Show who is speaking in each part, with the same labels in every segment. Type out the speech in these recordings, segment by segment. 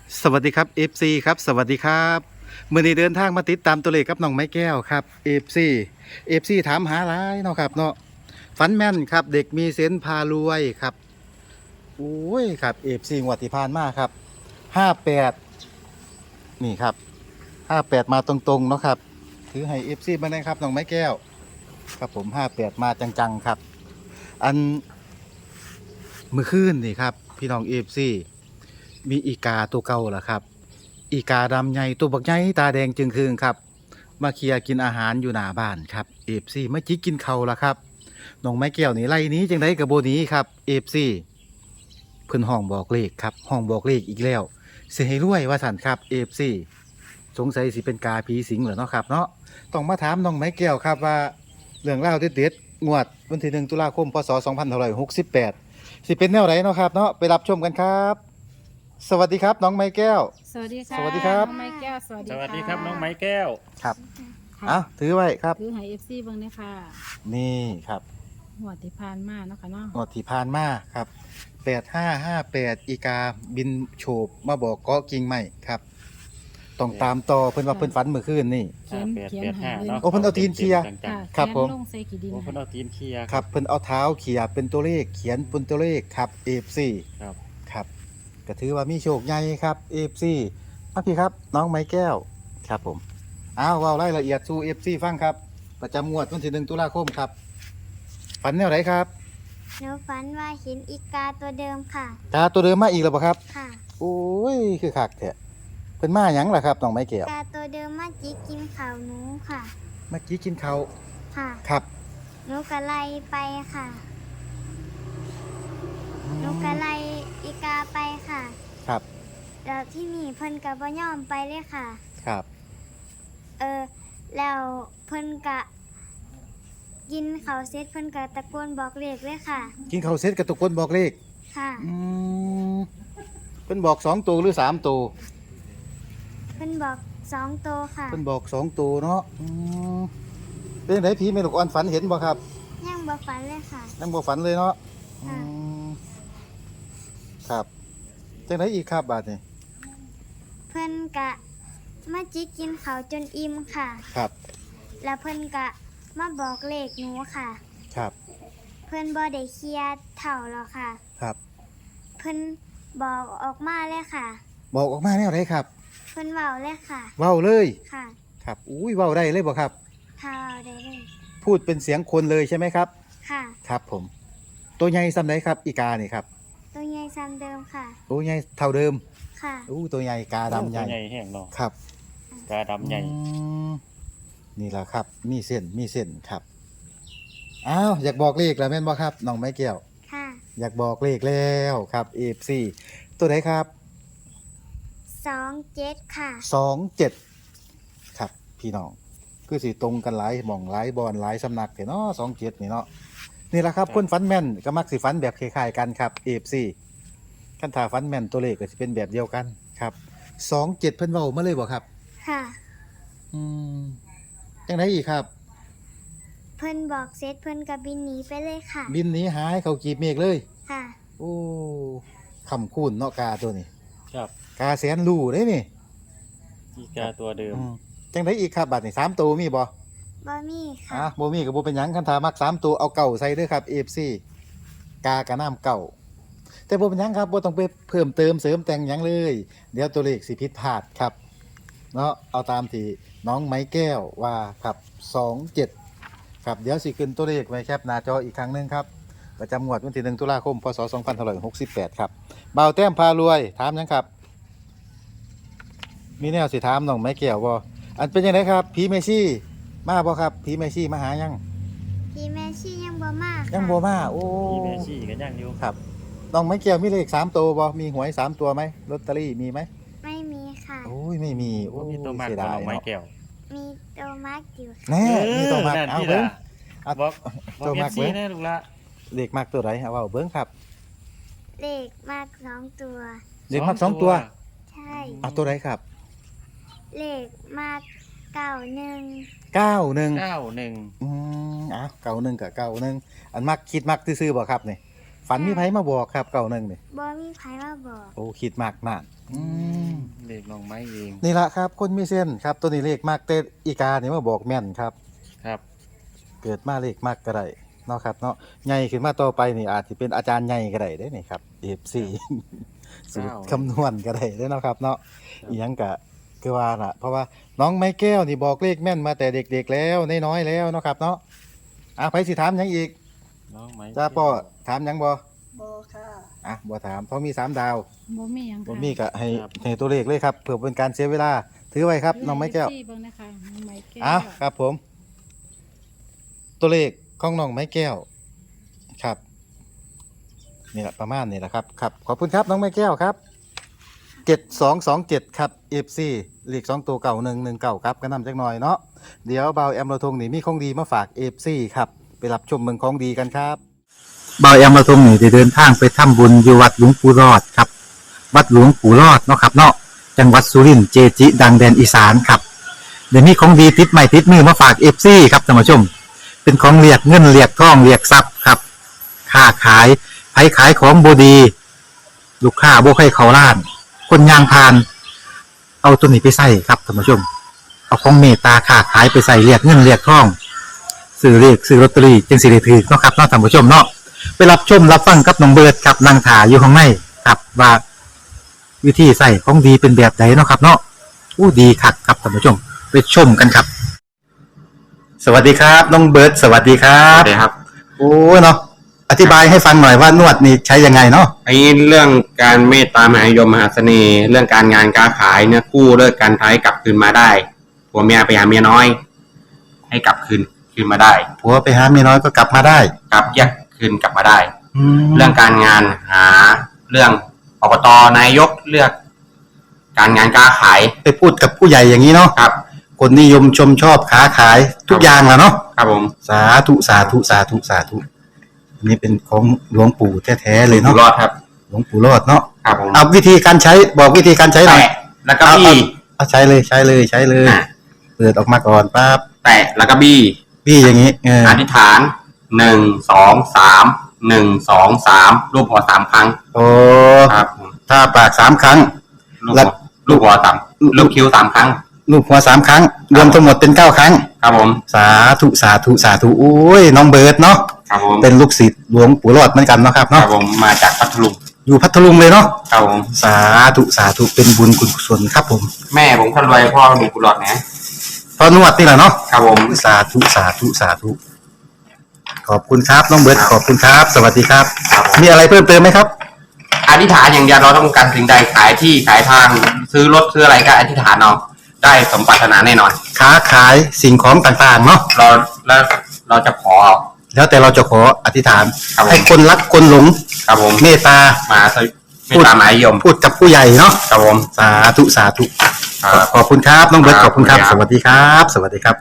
Speaker 1: สวัสดีครับ FC ครับสวัสดีครับมื่อนี้เดินทางมาติดตามตัวเลขกับน้องไม้แก้วครับ FC ถามหาหลายเนาะครับเนาะฝันแม่นครับเด็กมีเซนส์พารวยครับโอ้ยครับ FC งวดที่ผ่านมาครับ58นี่ครับ58มาตรงๆเนาะครับถือให้ FC มาได้ครับน้องไม้แก้วครับผม58มาจังๆครับอันเมื่อคืนนี่ครับพี่น้อง FC มีอีกาตัวเก่าล่ะครับอีกาดำใหญ่ตัวบักใหญ่ตาแดงจึงคืงครับมาเคลียร์กินอาหารอยู่หน้าบ้านครับเอฟซีมาจิกกินเขาวล่ะครับน้องไม้แก้วนี่ไล่หนี้จังไดกับโบหนี้ครับเอฟซีเพิ่นห้องบอกเลขครับห้องบอกเลขอีกแล้วสิให้รวยว่าสั่นครับเอฟซีสงสัยสิเป็นกาผีสิงเหรอเนาะครับเนาะต้องมาถามน้องไม้แก้วครับว่าเรื่องราวเด็ดๆงวดวันที่1ตุลาคมพศ2568สิเป็นแนวไหนเนาะครับเนาะไปรับชมกันครับสวัสดีครับน้องไม้แก้ว
Speaker 2: สวัสดีค่ะ
Speaker 1: สวัสดีครับ
Speaker 2: น้องไม้แก้วสวัสดี
Speaker 3: ส
Speaker 2: ค่ะ
Speaker 3: วัสดีครับน้องไม้แก้ว
Speaker 1: ครับ
Speaker 2: ค่ะ
Speaker 1: เอาถือไว้ครับ
Speaker 2: คือไฮเอฟซีเบิ้งเนี่ยค่ะ
Speaker 1: นี่ครับ
Speaker 2: หัวดที่พานมาเนาะค่ะเนาะ
Speaker 1: งวดที่ผ่านมาครับ8558อีกาบินโฉบมาบอกเกาะกิ่งใหม่ครับต้องตามต่อเพิ่นว่าเพิ่นฝันเมื่อคืนนี่
Speaker 2: เขียน
Speaker 3: 58
Speaker 2: เขียนหา
Speaker 3: 85
Speaker 2: เลย
Speaker 3: เนาะ
Speaker 1: โอ้เพิ่นเอาตีนเคลียร์
Speaker 2: ค่ะ
Speaker 1: ครับ
Speaker 2: เขียน
Speaker 1: ผม
Speaker 2: ลงใส่กี่ดิน
Speaker 3: โอ้เพิ่น
Speaker 2: ค่ะ
Speaker 3: เอาตีนเคลียร์
Speaker 1: ครับเพิ่นเอาเท้าเขี่ยเป็นตัวเลขเขียนเป็นตัวเลขครับ FC
Speaker 3: ครับ
Speaker 1: ครับก็ถือว่ามีโชคใหญ่ครับ FC มาพี่ครับน้องไม้แก้วครับผมเอาเว้ารายละเอียดสู่ FC ฟังครับ ประจำงวดวันที่1ตุลาคมครับฝันแนวไหนครับ
Speaker 4: หนูฝันว่าเห็นอีกาตัวเดิมค่ะ
Speaker 1: กาตัวเดิมมาอีกแล้วบ่ครับ
Speaker 4: ค่ะ
Speaker 1: โอ้ย คือคักแท้เพิ่นมาหยังล่ะครับน้องไม้แก้ว
Speaker 4: กาตัวเดิมมาจิกกินข่าวหนูค่ะ
Speaker 1: เมื่อกี้กินข้าว
Speaker 4: ค่ะ
Speaker 1: ครับ
Speaker 4: หนูก็ไล่ไปค่ะ หนูก็ไล่อีกาไปค่ะ
Speaker 1: ครับ
Speaker 4: แล้วที่นี่เพิ่นก็บ่ยอมไปเลยค่ะ
Speaker 1: ครับ
Speaker 4: แล้วเพิ่นก็กินข้าวเสร็จเพิ่นก็ตะโกนบอกเลขเลยค่ะ
Speaker 1: กินข้าวเสร็จกระตุกคนบอกเลข
Speaker 4: ค่ะ
Speaker 1: อืมเพิ่นบอก2ตัวหรือ3ตัว
Speaker 4: เพิ่นบอก2ตัวค่ะ
Speaker 1: เพิ่นบอก2ตัวเนาะเป็นจังไดผีแม่ลูกอ่อนฝันเห็นบ่ครับ
Speaker 4: ยังบ่ฝันเลยค่ะ
Speaker 1: ยังบ่ฝันเลยเนาะอื
Speaker 4: ค่ะ
Speaker 1: มครับจังไดอีกครับบาดนี้
Speaker 4: เพิ่นก็มาจิกกินข้าวจนอิ่มค่ะ
Speaker 1: ครับ
Speaker 4: แล้วเพิ่นก็มาบอกเลขหนูค่ะ
Speaker 1: ครับ
Speaker 4: เพิ่นบ่ได้เคลียร์เถ่าหรอกค่ะ
Speaker 1: ครับ
Speaker 4: เพิ่นบอกออกมาเลยค่ะ
Speaker 1: บอกออกมาแนวไหนครับ
Speaker 4: เพิ่นเว้าเลยค่ะ
Speaker 1: เว้าเลย
Speaker 4: ค่ะ
Speaker 1: ครับอุ้ยเว้าได้เลยบ่ครับ
Speaker 4: ถ้าเว้าได้เลย
Speaker 1: พูดเป็นเสียงคนเลยใช่ไหมครับ
Speaker 4: ค่ะ
Speaker 1: ครับผม ตัวใหญ่ซ้ำไหนครับ อีกานี่ครับ
Speaker 4: ตัวใหญ่ซ้ำเดิมค่ะ
Speaker 1: ตัวใหญ่เท่าเดิม
Speaker 4: ค่ะ
Speaker 1: อู้ตัวใหญ่กาดำใหญ่
Speaker 3: ตัวใหญ่แห้งเนาะ
Speaker 1: ครับ
Speaker 3: กาดำใหญ่
Speaker 1: อืมนี่แหละครับ มีเส้นมีเส้นครับอ้าวอยากบอกเลขแล้วแม่นบ่ครับน้องไม้แก้ว
Speaker 4: ค่ะ
Speaker 1: อยากบอกเลขแล้วครับ FC ตัวไหนครับ
Speaker 4: 27ค่ะ
Speaker 1: 27ครับพี่น้องคือสิตรงกันหลายหม่องหลายบอนหลายสำนักเนาะ27นี่เนาะนี่แหละครับคนฝันแม่นก็มักสิฝันแบบคล้ายๆกันครับ FC คันถ้าฝันแม่นตัวเลขก็สิเป็นแบบเดียวกันครับ27เพิ่นเว้ามาเลยบ่ครับ
Speaker 4: ค่ะ
Speaker 1: อืมจังไดอีกครับ
Speaker 4: เพิ่นบอกเสร็จเพิ่นก็บินหนีไปเลยค่ะ
Speaker 1: บินหนีหายเขากีบเมฆเลย
Speaker 4: ค่ะ
Speaker 1: โอ้คำคูณเนาะกาตัวนี้
Speaker 3: ครับ
Speaker 1: กาแสนรู้เด้นี่
Speaker 3: อีกาตัวเดิม
Speaker 1: อืมจังไดอีกครับบัดนี้3ตัวมีบ่
Speaker 4: บ่มีค่ะ
Speaker 1: บ่มีก็บ่เป็นหยังคันถามัก3ตัวเอาเก่าใส่เด้อครับ FC กากะน้ำเก่า แต่บ่เป็นหยังครับบ่ต้องไปเพิ่มเติมเสริมแต่งหยังเลย เดี๋ยวตัวเลขสิผิดพลาดครับ เนาะเอาตามที่น้องไม้แก้วว่าครับ27ครับเดี๋ยวสิขึ้นตัวเลขไว้แคปหน้าจออีกครั้งหนึงครับ ประจำงวดวันที่1ตุลาคมพศ2568ครับบ่าวแต้มพารวยถามหยังครับ มีแนวสิถามน้องไม้แก้วบ่อันเป็นจังไดครับผีเมซี่มาบ่ครับผีเมซี่มาหายัง
Speaker 4: พี่แม่ชียังบ่มาค่ะ
Speaker 1: ยังบ่มาโอ้
Speaker 3: มีแม่ชี่กันย่างอยู่
Speaker 1: ครับน้องไม้แก้วมีเลข3ตัวบ่มีหวย3ตัวไหมลอตเตอรี่มีไหม
Speaker 4: ไม่มีค่ะ
Speaker 1: โอ้ยไม่มีโอ้
Speaker 3: ว่าย มีตัวมาก
Speaker 1: เสีย
Speaker 3: กว่า
Speaker 1: ดาย
Speaker 3: น้องไม้
Speaker 1: เนาะ
Speaker 3: แก้ว
Speaker 4: มีตัวมาร์กอยู่ค่ะ
Speaker 1: แน่มีตัวมัก
Speaker 3: นั่น
Speaker 1: เอา
Speaker 3: ที่
Speaker 1: เบิ่ง
Speaker 3: ล่ะ
Speaker 1: เอา
Speaker 3: บอก
Speaker 1: ตัวมัก
Speaker 3: เอฟซี
Speaker 1: เบิ่ง
Speaker 3: แน่ลูกละ
Speaker 1: เลขมักตัวไหนเอาเว้าเบิ่งครับ
Speaker 4: เลขมาก2ตัว
Speaker 1: เลขมัก2ตัว
Speaker 4: ใช่
Speaker 1: เอาตัวไหนครับ
Speaker 4: เลขมาก91
Speaker 1: 91
Speaker 3: 91
Speaker 1: อืมอ้าว91กับ91อันมักคิดมักซื่อๆบ่ครับนี่ฝันมีไผมาบอกครับ91นี่
Speaker 4: บ่มีไผมาบอก
Speaker 1: โอ้คิดมักนั่นอืม
Speaker 3: เลขน้องไม้เอง
Speaker 1: นี่ละครับคนมีเส้นครับตัวนี้เลขมากแต่อีกานี่มาบอกแม่นครับ
Speaker 3: ครับ
Speaker 1: เกิดมาเลขมากก็ได้เนาะครับเนาะใหญ่ขึ้นมาต่อไปนี่อาจจะเป็นอาจารย์ใหญ่ก็ได้เด้นี่ครับ FC สูตรคำนวณก็ได้เด้เนาะครับเนาะอีหยังกะคือว่าล่ะเพราะว่าน้องไม้แก้วนี่บอกเลขแม่นมาแต่เด็กๆแล้วน้อยๆแล้วเนาะครับเนาะไผสิถามหยังอีก
Speaker 3: น้องไม้
Speaker 1: จ้าป้อถามหยังบ่
Speaker 5: บ่ค่ะ
Speaker 1: บ่ถามเพราะมี3ดาว
Speaker 2: บ่มีหยัง
Speaker 1: บ่
Speaker 2: ค่ะ
Speaker 1: มีก็ให้ตัวเลขเลยครับเพื่อเป็นการเสียเวลาถือไว้ครับน้องไม้แก้ว
Speaker 2: เบิ่งนะคะน้องไม้แก้ว
Speaker 1: อ้าวครับผม ตัวเลขของน้องไม้แก้วครับนี่แหละประมาณนี้แหละครับครับขอบคุณครับน้องไม้แก้วครับ7227ครับ FC เลข2ตัวเก่า119ครับก็นำจักหน่อยเนาะเดี๋ยวเบาแอมเราทงนี่มีของดีมาฝาก FC ครับไปรับชมเมืองของดีกันครับเบาแอมเราทงนี่ได้เดินทางไปทำบุญอยู่วัดหลวงปู่รอดครับวัดหลวงปู่รอดเนาะครับเนาะจังหวัดสุรินทร์เจจิ ดังแดนอีสานครับเดี๋ยวนี้ของดีติดใหม่ติดมือมาฝาก FC ครับท่านผู้ชมเป็นของเรียกเงินเรียกทองเรียกทรัพย์ครับค้าขายไผขายของบดีลูกค้าบ่ให้เขาล้าน คนยางพาน เอาตัวนี้ไปใส่ครับท่านผู้ชม เอาของเมตตาค้าขายไปใส่เรียกเงินเรียกทองซื้อเรียกซื้อลอตเตอรี่จึงสิได้ถือเนาะครับเนาะท่านผู้ชมเนาะไปรับชมรับฟังกับน้องเบิร์ดครับนางถาอยู่ข้างในครับว่าวิธีใส่ของดีเป็นแบบไหนเนาะครับ เนาะอู้ดีคักครับท่านผู้ชมไปชมกันครับ สวัสดีครับน้องเบิร์ดสวัสดีครั
Speaker 6: ครับ บครับ
Speaker 1: โอ้เนาะอธิบายให้ฟังหน่อยว่านวดนี่ใช้ยังไงเนาะ
Speaker 6: ไอ้เรื่องการเมตตามหานิยมมหาเสน่ห์ เรื่องการงานการขายเนี่ยกู้เลิกการท้ายกลับคืนมาได้ผัวเมียไปหาเมียน้อย ให้กลับคืนมาได้
Speaker 1: ผัวไปหาเมียน้อยก็กลับมาได้
Speaker 6: กลับแยกคืนกลับมาได้
Speaker 1: แล้
Speaker 6: เรื่
Speaker 1: ว
Speaker 6: องการงานหาเรื่องอบตนายกเลือก การงานการขาย
Speaker 1: ไปพูดกับผู้ใหญ่อย่างนี้เนาะ
Speaker 6: ครับ
Speaker 1: คนนิยมชมชอบค้าขายทุกอย่างแหละเนาะ
Speaker 6: ครับผม
Speaker 1: สาธุสาธุสาธุสาธุอันนี้เป็นของหลวงปู่แท้ๆเลย
Speaker 6: อยู่
Speaker 1: เนาะ
Speaker 6: รอดครับ
Speaker 1: หลวงปู่รอดเนาะ
Speaker 6: ครับผม
Speaker 1: เอาวิธีการใช้บอกวิธีการใช้หน่อย
Speaker 6: แตะแล้วก็บี้
Speaker 1: เอาใช้เลยใช้เลยใช้เลย
Speaker 6: อ่ะ
Speaker 1: เปิดออกมาก่อนปั๊บ
Speaker 6: แตะแล้วก็บี้
Speaker 1: พี่อย่างนี้เออ
Speaker 6: อธิษฐาน1 2 3 1 2 3รูปหัว3ครั้ง
Speaker 1: โอ้
Speaker 6: ครับผม
Speaker 1: ถ้าปาก3 ครั้ง
Speaker 6: ลูก
Speaker 1: แล้
Speaker 6: หั
Speaker 1: ว
Speaker 6: วลูกหัวต่ำลูกคิ้ว3 ครั้ง
Speaker 1: ลูกหัว3 ครั้ง รวมทั้งหมดเป็น9 ครั้ง
Speaker 6: ครับผม
Speaker 1: สาธุสาธุสาธุโอ้ยน้องเบิร์ดเนาะ
Speaker 6: ครับผม
Speaker 1: เป็นลูกศิษย์หลวงปู่รอดเหมือนกันเนาะครับ
Speaker 6: ครั
Speaker 1: เนาะ
Speaker 6: บผมมาจากพัทลุง
Speaker 1: อยู่พัทลุงเลยเนาะ
Speaker 6: ครับผม
Speaker 1: สาธุสาธุเป็นบุญกุศลครับผม
Speaker 6: แม่ผมคนรวยพ่อมีกุหลาบนะ
Speaker 1: พอนวดนี่แหละเนาะ
Speaker 6: ครับผม
Speaker 1: สาธุสาธุสาธุขอบคุณครับน้องเบิร์ดขอบคุณครับ สวัสดีครับ
Speaker 6: ครับผม
Speaker 1: มีอะไรเพิ่มเติมไหมครับ
Speaker 6: อธิษฐานอย่างเดียวเราต้องการสิ่งใดขายที่ขายทางซื้อรถซื้ออะไรก็อธิษฐานเอาได้สมปรารถนาแน่นอน
Speaker 1: ค้าขายสิ่งของต่างๆเนาะ
Speaker 6: แล้วเราจะขอ
Speaker 1: แล้วแต่เราจะขออธิษฐาน
Speaker 6: ครับผม
Speaker 1: ให้คนรักคนหลง
Speaker 6: ครับผม
Speaker 1: เมตตา
Speaker 6: มาสวิไม่ตามหมายยม
Speaker 1: พูดกับผู้ใหญ่เนาะ
Speaker 6: ครับผม
Speaker 1: สาธุสาธุ
Speaker 6: ครับ
Speaker 1: ขอบคุณครับน้องเบิร์ต
Speaker 6: ค
Speaker 1: ข
Speaker 6: รับ
Speaker 1: อบคุณครับ
Speaker 6: ขอบ
Speaker 1: ส
Speaker 6: คุณครับ
Speaker 1: วัสดีครับ สวัสดีครับ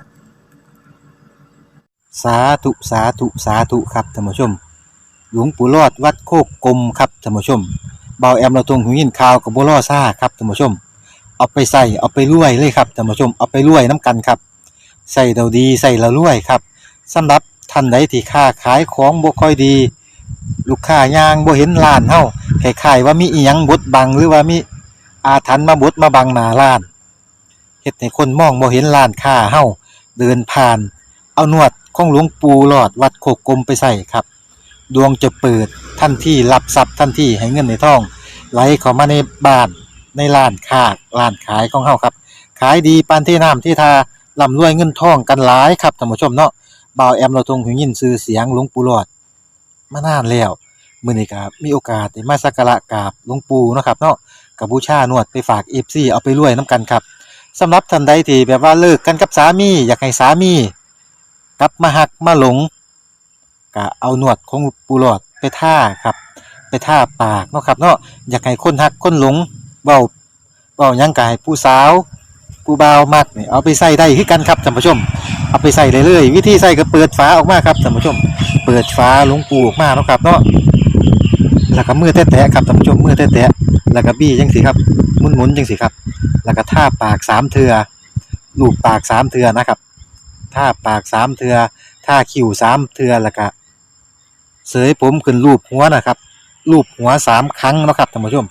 Speaker 1: สาธุสาธุสาธุครับท่านผู้ชม หลวงปู่รอดวัดโคกกลมครับท่านผู้ชมเบาแอมเราตรงหูยินข่าวกับบัวล่อซ่าครับท่านผู้ชม เอาไปใส่เอาไปรวยเลยครับท่านผู้ชมเอาไปรวยน้ำกันครับใส่เราดีใส่เรารวยครับสำหรับท่านใดที่ค้าขายของบ่ค่อยดี ลูกค้ายางบ่เห็นร้านเฮาคล้ายๆว่ามีอีหยังบดบังหรือว่ามีอาถรรพ์มาบดมาบังหน้าร้านเฮ็ดให้คนมองบ่เห็นร้านค้าเฮาเดินผ่าน เอานวดของหลวงปู่หลอดวัดโคกกลมไปใส่ครับดวงจะเปิดทันทีรับทรัพย์ทันทีให้เงินในท้องไหลเข้ามาในบ้านในร้านค้าร้านขายของเฮาครับขายดีปานที่น้ำที่ทาร่ำรวยเงินทองกันหลายครับท่านผู้ชมเนาะบ่าวแอมเราทรงหูยินชื่อเสียงหลวงปู่หลอดมานานแล้วมื้อนี้ก็มีโอกาสได้มาสักการะกราบหลวงปู่เนาะครับเนาะก็บูชานวดไปฝาก FC เอาไปรวยนํกันครับสำหรับท่านใดที่แบบว่าเลิกกันกับสามีอยากให้สามีกลับมาหักมาหลงก็เอานวดของปูหลอดไปท่าครับ ไปท่าปากเนาะครับเนาะอยากให้คนหักคนหลงเว้าหยังก็ให้ผู้สาวผู้บ่าวมักนี่เอาไปใส่ได้คือกันครับท่านผู้ชมเอาไปใส่เลยเลยวิธีใส่ก็เปิดฝาออกมาครับท่านผู้ชม เปิดฝาหลวงปูออกมาเนาะครับเนาะแล้วก็มือแตะๆครับท่านผู้ชมมือแตะๆแล้วก็บี้จังสิครับหมุนๆจังสิครับแล้วก็ท่าปาก3เทื่อลูบปาก3เทื่อนะครับท่าปาก3เทื่อท่าคิ้ว3เทื่อแล้วก็เสยผมขึ้นรูปหัวนะครับรูปหัว3ครั้งเนาะครับท่านผู้ชม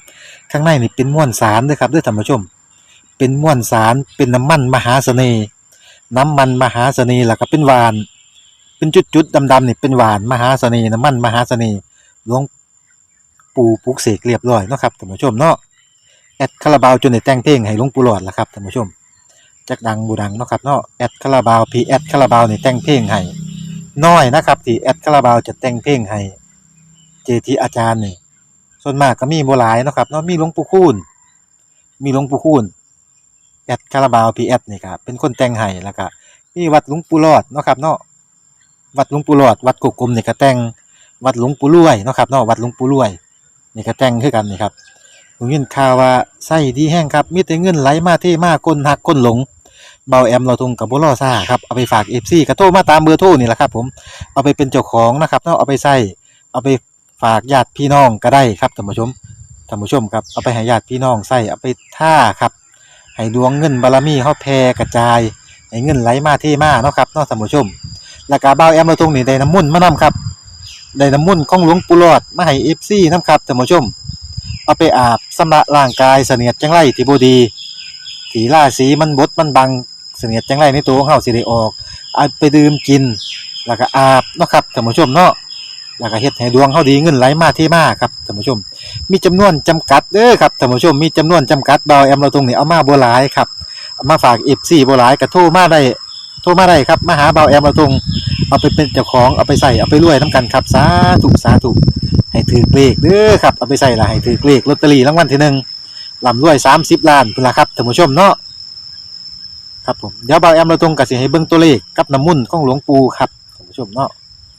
Speaker 1: ข้างในนี่เป็นม้วนสารเด้อครับเด้อท่านผู้ชม เป็นม้วนสารเป็นน้ำมันมหาเสน่ห์น้ำมันมหาเสน่ห์แล้วก็เป็นหวานเป็นจุดๆดำๆนี่เป็นหวานมหาเสน่ห์น้ำมันมหาเสน่ห์หลวงปู่ปลุกเสกเรียบร้อยเนาะครับท่านผู้ชมเนาะแอดคาราบาวจนได้แต่งเพลงให้หลวงปู่หลอดล่ะครับท่านผู้ชมจักดังบูดังเนาะครับเนาะแอดคาราบาวพีแอดคาราบาวนี่แต่งเพลงให้น้อยนะครับที่แอดคาราบาวจะแต่งเพลงให้เจทีอาจารย์นี่ส่วนมากก็มีบ่หลายเนาะครับเนาะมีหลวงปู่คูณแอดคาราบาวพีแอดนี่ครับเป็นคนแต่งให้แล้วก็มีวัดหลวงปู่หลอดเนาะครับเนาะวัดหลวงปู่หลอดวัดกุกกลมนี่ก็แต่งวัดหลวงปู่รวยเนาะครับเนาะวัดหลวงปู่รวยนี่ก็แต่งคือกันนี่ครับผมยินข่าวว่าไส้ดีแห้งครับมีแต่เงินไหลมาเทมาคนหักคนหลงเบาแอมเราทุงกับบ่รอซ่าครับเอาไปฝาก FC ก็โทรมาตามเบอร์โทรนี่แหละครับผมเอาไปเป็นเจ้าของนะครับเนาะเอาไปใช้เอาไปฝากญาติพี่น้องก็ได้ครับท่านผู้ชมครับเอาไปให้ญาติพี่น้องใช้เอาไปท่าครับให้ดวงเงินบารมีเฮาแผ่กระจายให้เงินไหลมาเทมาเนาะครับเนาะท่านผู้ชมแล้วก็เบาแอมเราทุงนี่ได้น้ำมนต์มานํครับได้น้ำมนต์ของหลวงปู่หลอดมาให้ FC นํครับท่านผู้ชมเอาไปอาบชำระร่างกายเสนียดจังไรที่บ่ดีที่ราศีมันบดมันบังเสนียดจังไรในตัวของเฮาสิได้ออกเอาไปดื่มกินแล้วก็อาบเนาะครับท่านผู้ชมเนาะแล้วก็เฮ็ดให้ดวงเฮาดีเงินไหลมาเทมาครับท่านผู้ชมมีจำนวนจำกัดเด้อครับท่านผู้ชมมีจำนวนจำกัดเบาแอมเราตรงนี้เอามาบ่หลายครับเอามาฝาก FC บ่หลายก็โทรมาได้ครับมาหาเบาแอมเราตรงเอาไปเป็นเจ้าของเอาไปใส่เอาไปรวยนํกันครับสาธุให้ถือเลขเด้อครับเอาไปใส่ละให้ถือเลขลอตเตอรี่รางวัลที่หนึ่งร่ำรวย30ล้านพุ่นล่ะครับท่านผู้ชมเนาะครับผมเดี๋ยวเบาแอมเราตรงก็สิให้เบิ่งตัวเลขกับน้ำมุ่นต์ของหลวงปู่ครับท่านผู้ชมเนาะ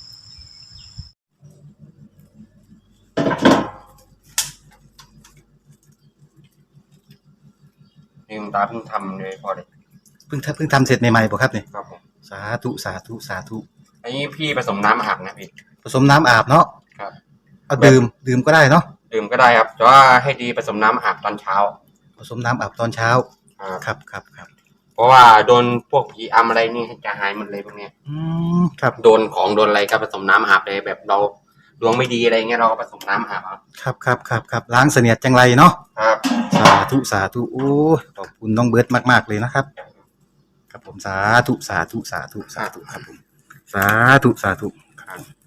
Speaker 6: ลืมตาเพิ่งทำเลยพอเลย
Speaker 1: เพิ่งทำเสร็จใหม่ๆบ่ครับนี่
Speaker 6: ครับผม
Speaker 1: สาธุ
Speaker 6: อันนี้พี่ผสมน้ำอาบนะพี่
Speaker 1: ผสมน้ำอาบเนาะ
Speaker 6: ครับ
Speaker 1: เอาดื่มก็ได้เนาะ
Speaker 6: ดื่มก็ได้ครับแต่ว่าให้ดีผสมน้ำอาบตอนเช้า
Speaker 1: ผสมน้ำอาบตอนเช้า ครับ
Speaker 6: เพราะว่าโดนพวกผีอำอะไรนี่จะหายหมดเลยพวกเนี้ย
Speaker 1: ครับ
Speaker 6: โดนของโดนอะไรก็ผสมน้ำอาบเลยแบบเราดวงไม่ดีอะไรเงี้ยเราก็ผสมน้ำอาบเอา
Speaker 1: ครับล้างเสนียดจังไรเนาะ
Speaker 6: ครับ
Speaker 1: สาธุโอ้ยขอบคุณน้องเบิร์ตมากๆเลยนะครับครับผมสาธุครับผมสาธุครับ